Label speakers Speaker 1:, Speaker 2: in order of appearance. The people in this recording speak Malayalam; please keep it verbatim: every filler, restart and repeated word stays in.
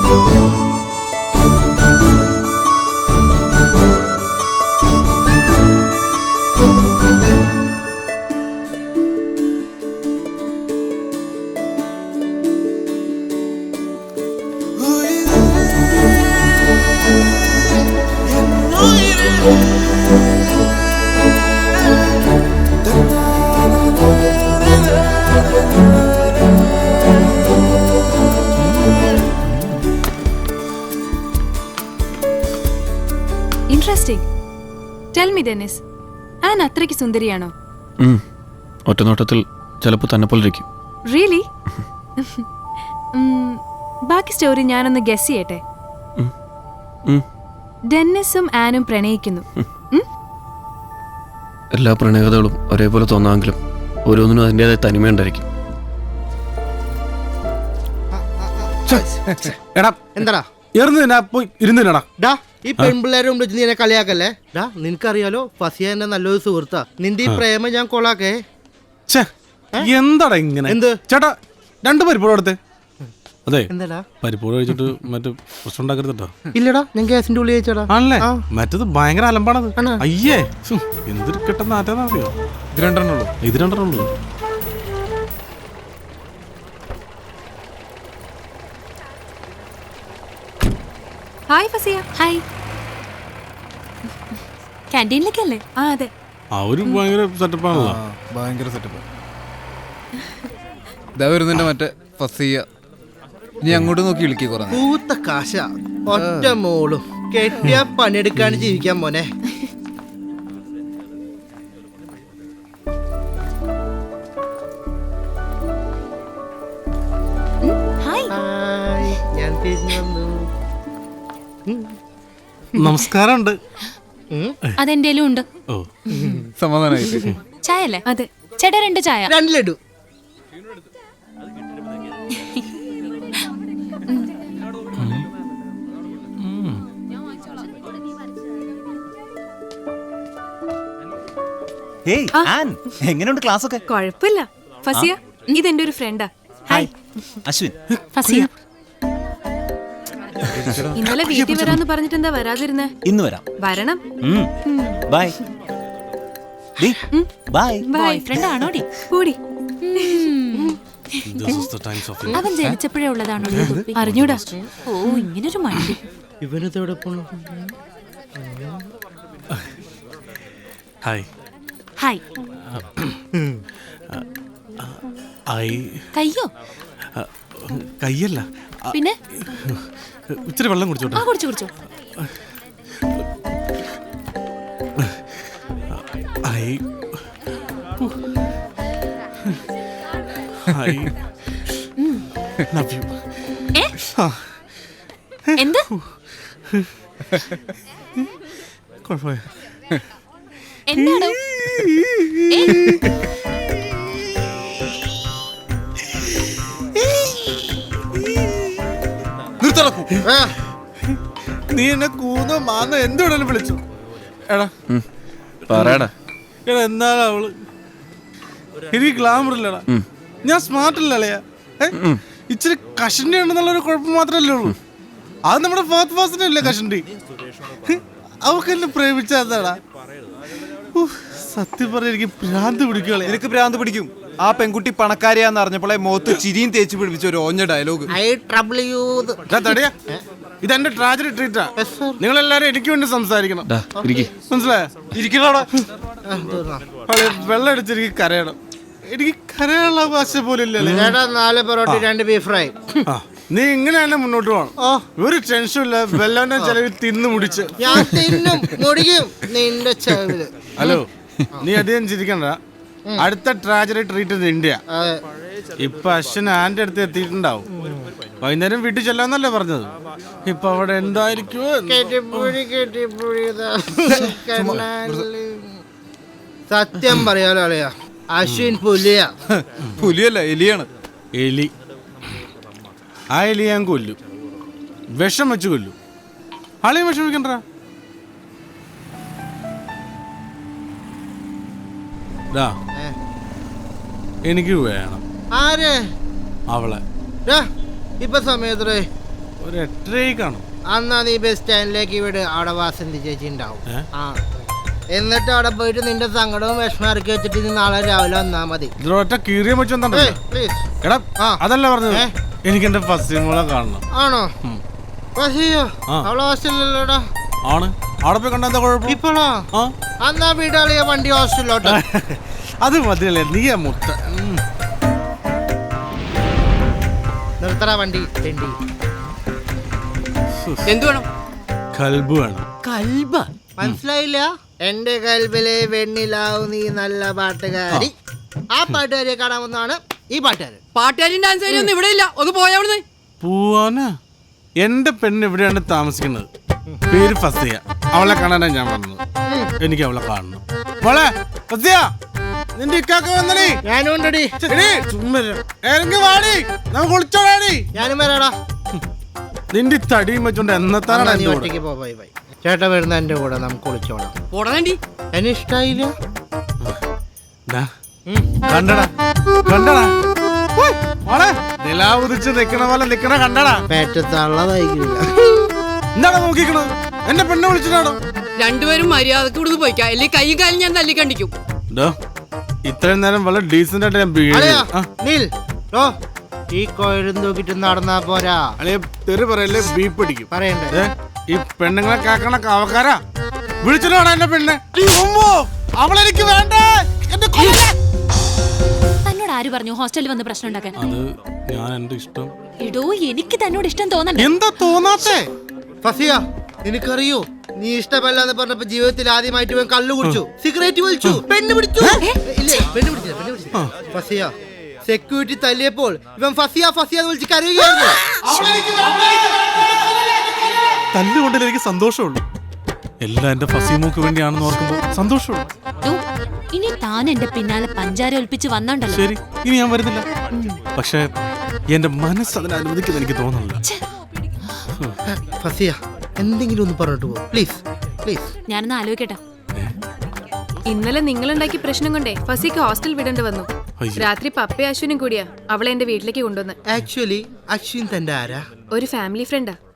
Speaker 1: Interesting. Tell me, Dennis. Anne അത്രയ്ക്ക് സുന്ദരിയാണോ?
Speaker 2: ഒറ്റ നോട്ടത്തിൽ ചിലപ്പോൾ തന്നെ പോലെ ഇരിക്കും.
Speaker 1: Really? ബാക്കി സ്റ്റോറി ഞാനൊന്ന് ഗസ് ചെയ്യട്ടെ. ഡെന്നിസും ആനും പ്രണയിക്കുന്നു.
Speaker 2: എല്ലാ പ്രണയകഥകളും ഒരേപോലെ തോന്നാമെങ്കിലും ഓരോന്നിനും അതിൻ്റെതായ തനിമയുണ്ടായിരിക്കും.
Speaker 3: എടാ എന്താടാ ഇരുന്നില്ലടാ ഈ പെൺപിള്ളേരെ മുമ്പ് നീ എന്നെ കളിയാക്കല്ലേ? ഡാ നിനക്കറിയാലോ ഫസിയ എന്നെ നല്ലൊരു സുഹൃത്താ. നിന്റെ ഈ പ്രേമം ഞാൻ കൊളാക്കേ.
Speaker 4: എന്താടാ ഇങ്ങനെ?
Speaker 3: എന്ത്
Speaker 4: ചേട്ടാ രണ്ട് പരിപ്പോട് എടുത്തേ. അതെ
Speaker 3: എന്താടാ
Speaker 4: പരിപ്പോട് കഴിച്ചിട്ട് മറ്റേ പ്രശ്നം ഉണ്ടാക്കരുതട്ടോ.
Speaker 3: ഇല്ലടാ ഞാൻ ഗ്യാസിന്റെ ഉള്ളിൽ കഴിച്ചടാ.
Speaker 4: ആണല്ലേ? മറ്റത് ഭയങ്കര അലമ്പാണത്. അയ്യേ എന്തൊരു കെട്ടെന്ന് ആറ്റാന്നറിയോ? ഇത് രണ്ടെണ്ണേ ഉള്ളൂ. ഇത് രണ്ടെണ്ണേ ഉള്ളൂ.
Speaker 1: ഹായ് ഫസിയ. ഹായ്. ക്യാൻറ്റീനിലേക്കല്ലേ? ആ അതെ.
Speaker 4: അവര് ഭയങ്കര സെറ്റപ്പാണല്ലോ.
Speaker 5: ഭയങ്കര സെറ്റപ്പ്. ഇതാ വരുന്നുണ്ട് മറ്റേ ഫസിയ. നീ അങ്ങോട്ട് നോക്കി വിളിക്കേ കുറേ.
Speaker 3: പൂത്ത കാശ ഒറ്റ മോളും കെട്ടിയ പണിയെടുക്കാണ് ജീവിക്കാൻ മോനെ. ഞാൻ തിരിഞ്ഞു വന്നു.
Speaker 4: നമസ്കാരമുണ്ട്.
Speaker 1: അതെന്തേലും ഉണ്ട്.
Speaker 4: ഓ
Speaker 5: സമാധാനായിട്ട്.
Speaker 1: ചായ അല്ലേ? അതെ ചേട്ടാ രണ്ട് ചായ.
Speaker 3: രണ്ട് ലഡു.
Speaker 6: എങ്ങനെയുണ്ട് ക്ലാസ് ഒക്കെ?
Speaker 1: കുഴപ്പമില്ല. ഫസിയ ഇതെന്റെ ഒരു ഫ്രണ്ടാ. ഹായ്
Speaker 6: അശ്വിൻ.
Speaker 1: ഫസിയ ഇന്നലെ വീട്ടിൽ വരാന്ന് പറഞ്ഞിട്ട് എന്താ വരാതിരുന്നേ?
Speaker 6: ഇന്ന് വരാം.
Speaker 1: വരണം.
Speaker 6: Bye bye.
Speaker 1: ബോയ് ഫ്രണ്ട് ആണോടി? കൂടി
Speaker 7: അവൻ ജനിച്ചപ്പോഴേ ഉള്ളതാണോ?
Speaker 1: അറിഞ്ഞൂടാ.
Speaker 7: ഓ ഇങ്ങനൊരു മണ്ടി.
Speaker 3: ഇവനെവിടെ പോണു?
Speaker 4: ഹായ്.
Speaker 7: ഹായ്. കയ്യോ?
Speaker 4: കയ്യല്ല,
Speaker 7: പിന്നെ
Speaker 4: ഇച്ചിരി വെള്ളം കുടിച്ചോട്ടെ?
Speaker 7: ആ കുടിച്ചു കുടിച്ചു.
Speaker 4: I I love you.
Speaker 7: എന്ത്?
Speaker 4: കുഴപ്പമില്ല.
Speaker 7: എന്താണോ?
Speaker 4: നീ എന്നെ കൂന്നോ മാന്നോ എന്തുവേണേലും വിളിച്ചു. എടാ
Speaker 2: പറയടാ.
Speaker 4: എടാ എന്നാലും അവള് എനിക്ക് ഗ്ലാമർ ഇല്ലടാ. ഞാൻ സ്മാർട്ട് ഇല്ലല്ലയാ. ഇച്ചിരി കഷണ്ടി ഉണ്ടെന്നുള്ളൊരു കുഴപ്പം മാത്രമല്ലേ ഉള്ളൂ. അത് നമ്മുടെ ഫാത്ത് ഫാസിനല്ലേ കഷണ്ടി. അവക്ക് എന്നെ പ്രേമിച്ചാടാ. സത്യം പറഞ്ഞ എനിക്ക് ഭ്രാന്ത് പിടിക്കുകളെ.
Speaker 5: എനിക്ക് ഭ്രാന്ത് പിടിക്കും. ആ പെൺകുട്ടി പണക്കാരിയാന്ന് അറിഞ്ഞപ്പോളെ മുഖത്ത് ചിരിയും തേച്ച് പിടിപ്പിച്ച ഒരു ഓഞ്ഞ ഡയലോഗ്.
Speaker 4: ഇതെന്റെ ട്രാജഡി ട്രീറ്റാ. നിങ്ങൾ എല്ലാരും എനിക്ക് വേണ്ടി സംസാരിക്കണം. മനസ്സിലായോ? ഇരിക്കണോടാ. വെള്ളം അടിച്ചെനിക്ക് കരയണം. എനിക്ക് കരയാനുള്ള ഭാഷ പോലും ഇല്ലല്ലേ.
Speaker 3: നാല് പൊറോട്ട രണ്ട് ബീഫ് ഫ്രൈ.
Speaker 4: നീ ഇങ്ങനെ തന്നെ മുന്നോട്ട് പോകണം. ഒരു ടെൻഷൻ ഇല്ല. വെള്ളന്റെ ചെലവിൽ തിന്നു മുടിച്ച്
Speaker 3: ഞാൻ തിന്നും മുടിക്കും നിന്റെ ചെലവില്.
Speaker 4: ഹലോ നീ അധികം ചിരിക്കണ്ട. അടുത്ത ട്രാജഡി ട്രീറ്റ് ഇന്ത്യ. ഇപ്പൊ അശ്വൻ ആന്റെ അടുത്ത് എത്തിയിട്ടുണ്ടാവും. വൈകുന്നേരം വീട്ടിൽ ചെല്ലാന്നല്ലേ പറഞ്ഞത്. ഇപ്പൊ അവിടെ എന്തായിരിക്കും?
Speaker 3: സത്യം പറയാലോ അളിയാ, അശ്വിൻ പുലിയ.
Speaker 5: പുലിയല്ല, എലിയാണ്.
Speaker 4: എലി. ആ എലി ഞാൻ കൊല്ലും. വിഷം വെച്ച് കൊല്ലും. ആളെയും വിഷമിക്കണ്ട. എനിക്ക് വേണം.
Speaker 3: ആരെ?
Speaker 4: അവളെ.
Speaker 3: ഇപ്പൊ സമയത്തേ
Speaker 4: ഒരു എട്ടരയ്ക്ക് കാണും.
Speaker 3: അന്നാ നീ ബസ് സ്റ്റാൻഡിലേക്ക് വിട്, അവിടെ വാസന്തി ചേച്ചി ഉണ്ടാവും.
Speaker 4: ഏ?
Speaker 3: ആ എന്നിട്ട് അവിടെ പോയിട്ട് നിന്റെ സങ്കടവും വിഷമം ഇറക്കി വെച്ചിട്ട് നീ നാളെ രാവിലെ വന്നാ മതി.
Speaker 4: ഇതിലൊറ്റ കീറിയ വെച്ചെന്താ
Speaker 3: പ്ലീസ്.
Speaker 4: എടാ
Speaker 3: ആ.
Speaker 4: അതല്ല പറഞ്ഞത്,
Speaker 3: ഏ?
Speaker 4: എനിക്ക് എന്റെ ഫസ്റ്റ് മോളെ കാണണം.
Speaker 3: ആണോ? വസിയോ
Speaker 4: ആ.
Speaker 3: അവളെ ഹോസ്റ്റലിലല്ലോടാ.
Speaker 4: ആണ് അവിടെ പോയി കണ്ട എന്താ കുഴപ്പം?
Speaker 3: ഇപ്പോഴോ?
Speaker 4: ആ
Speaker 3: അന്നാ വീടാളിയ വണ്ടി ഹോസ്റ്റലിലോട്ട്.
Speaker 4: അത് മതിയല്ലേ, നീ ആ മുട്ട. ഉം.
Speaker 3: നിർത്തറ വണ്ടി തെണ്ടി.
Speaker 8: എന്തു വേണം?
Speaker 4: കൽബ് വേണം.
Speaker 8: കൽബ
Speaker 3: മനസ്സിലായില്ല? എന്റെ കൽബിലെ വെണ്ണിലാവു നീ നല്ല പാട്ടുകാരി. ആ പാട്ടുകാരിയെ കാണാൻ വന്നാണ് ഈ പാട്ടുകാരൻ.
Speaker 8: പാട്ടുകാരും ഡാൻസുകാരും ഒന്നും ഇവിടെ ഇല്ല, ഒന്ന് പോയാ അവിടുന്ന്.
Speaker 4: പോവാനാ? എന്റെ പെണ്ണ് എവിടെയാണ് താമസിക്കുന്നത്? പേര് ഫസിയ. അവളെ കാണാനാ ഞാൻ വന്നത്. എനിക്ക് അവളെ കാണണം. മോളെ ഫസിയ, നിന്റെ ഇക്കാക്ക വന്നടി.
Speaker 3: ഞാനും ഉണ്ടടി.
Speaker 4: ഇറങ്ങി വാടി, നമുക്ക് ഒളിച്ചോടാടി.
Speaker 3: ഞാനും വരാടാ.
Speaker 4: നിന്റെ ഈ തടിയും വെച്ചോണ്ട് എന്നത്താനാണ്
Speaker 3: നീ
Speaker 4: എന്റെ കൂടെ?
Speaker 3: ഒറ്റയ്ക്ക് പോ. Bye bye. ചേട്ടൻ വരുന്ന എന്റെ കൂടെ നമുക്ക് ഒളിച്ചോളാം.
Speaker 8: പോടേണ്ടി
Speaker 3: എന്നെ ഇഷ്ടായില്ല.
Speaker 4: ദാ, കണ്ടടാ കണ്ടടാ ഉയ്, മോളെ നിലാവ് ഉദിച്ച് നിക്കണ പോലെ നിക്കണ കണ്ടടാ.
Speaker 3: പേറ്റത്തള്ളതായിക്കില്ല.
Speaker 4: എന്താണ് നോക്കിക്കണത്? എന്റെ പെണ്ണെ വിളിച്ചിട്ടാണോ?
Speaker 8: രണ്ടുപേരും മര്യാദക്ക് ഇവിടുന്ന് പോയിക്കാ, അല്ലെങ്കിൽ കൈയും കാലും ഞാൻ തല്ലിക്കണ്ടിക്കും.
Speaker 4: ഇത്രയും നേരം വളരെ ഡീസന്റ് ആയിട്ട് ഞാൻ
Speaker 3: അളിയാ,
Speaker 4: ആ,
Speaker 3: നീൽ, ഓ, ഈ കോയിലും തൂക്കിട്ട് നടന്നാ പോരാ.
Speaker 4: അളിയ തെറി പറയല്ലേ, ബീപ്പ് അടിക്കും.
Speaker 3: പറയണ്ടേ?
Speaker 4: ഏ, ഈ പെണ്ണുങ്ങളെ കാക്കണ കാവക്കാരാ വിളിച്ചിട്ടാണ് എന്റെ പെണ്ണെ. ഉമ്മോ, അവളെനിക്ക് വേണ്ട. എന്റെ കൊല്ല.
Speaker 7: തന്നോട് ആര് പറഞ്ഞു ഹോസ്റ്റലിൽ വന്ന് പ്രശ്നം ഉണ്ടാക്കാൻ?
Speaker 4: അത് ഞാൻ എന്റെ ഇഷ്ടം.
Speaker 7: എടോ എനിക്ക് തന്നോട് ഇഷ്ടം തോന്നണ്ട.
Speaker 4: എന്താ തോന്നാത്തേ?
Speaker 3: ഫസിയ, നിനക്കറിയോ നീ ഇഷ്ടമല്ലാന്ന് പറഞ്ഞപ്പോ ജീവിതത്തിൽ ആദ്യമായിട്ട് ഇവൻ കള്ളു കുടിച്ചു, സിഗരറ്റ് വലിച്ചു, പെണ്ണ് പിടിച്ചു. ഇല്ലേ, പെണ്ണ് പിടിച്ചില്ല, പെണ്ണ് പിടിച്ചില്ല. ഫസിയ, സെക്യൂരിറ്റി തല്ലിയപ്പോൾ ഇവൻ ഫസിയ ഫസിയ എന്ന് വിളിച്ച് കരയുകയായിരുന്നു.
Speaker 4: തല്ലുകൊണ്ടിൽ എനിക്ക് സന്തോഷമുള്ളൂ. എല്ലാം എന്റെ ഫസീമോക്ക് വേണ്ടിയാണെന്ന് ഓർക്കുമ്പോ സന്തോഷമുള്ളൂ.
Speaker 7: ദോ, ഇനി താൻ എന്റെ പിന്നാലെ പഞ്ചാര ഒൽപ്പിച്ച് വന്നോണ്ടല്ലോ.
Speaker 4: ശരി, ഇനി ഞാൻ വരുന്നില്ല. പക്ഷെ എന്റെ മനസ്സ് അതിനെ അനുവദിക്കുന്നത് എനിക്ക് തോന്നുന്നില്ല.
Speaker 3: ഫസിയ, എന്തെങ്കിലും ഒന്ന് പറഞ്ഞിട്ട് പോ പ്ലീസ്, പ്ലീസ്.
Speaker 7: ഞാനൊന്ന് ആലോചിക്കട്ടെ.
Speaker 1: ഇന്നലെ നിങ്ങളുണ്ടാക്കിയ പ്രശ്നം കൊണ്ടേ ഫസിക്ക് ഹോസ്റ്റൽ വിടേണ്ടി വന്നു.
Speaker 4: അയ്യോ.
Speaker 1: രാത്രി പപ്പയും അശ്വിനും കൂടിയാ അവളെ എന്റെ വീട്ടിലേക്ക് കൊണ്ടുവന്ന്.
Speaker 3: ആക്ച്വലി അശ്വിൻ തന്റെ ആരാ?
Speaker 1: ഒരു ഫാമിലി ഫ്രണ്ടാ.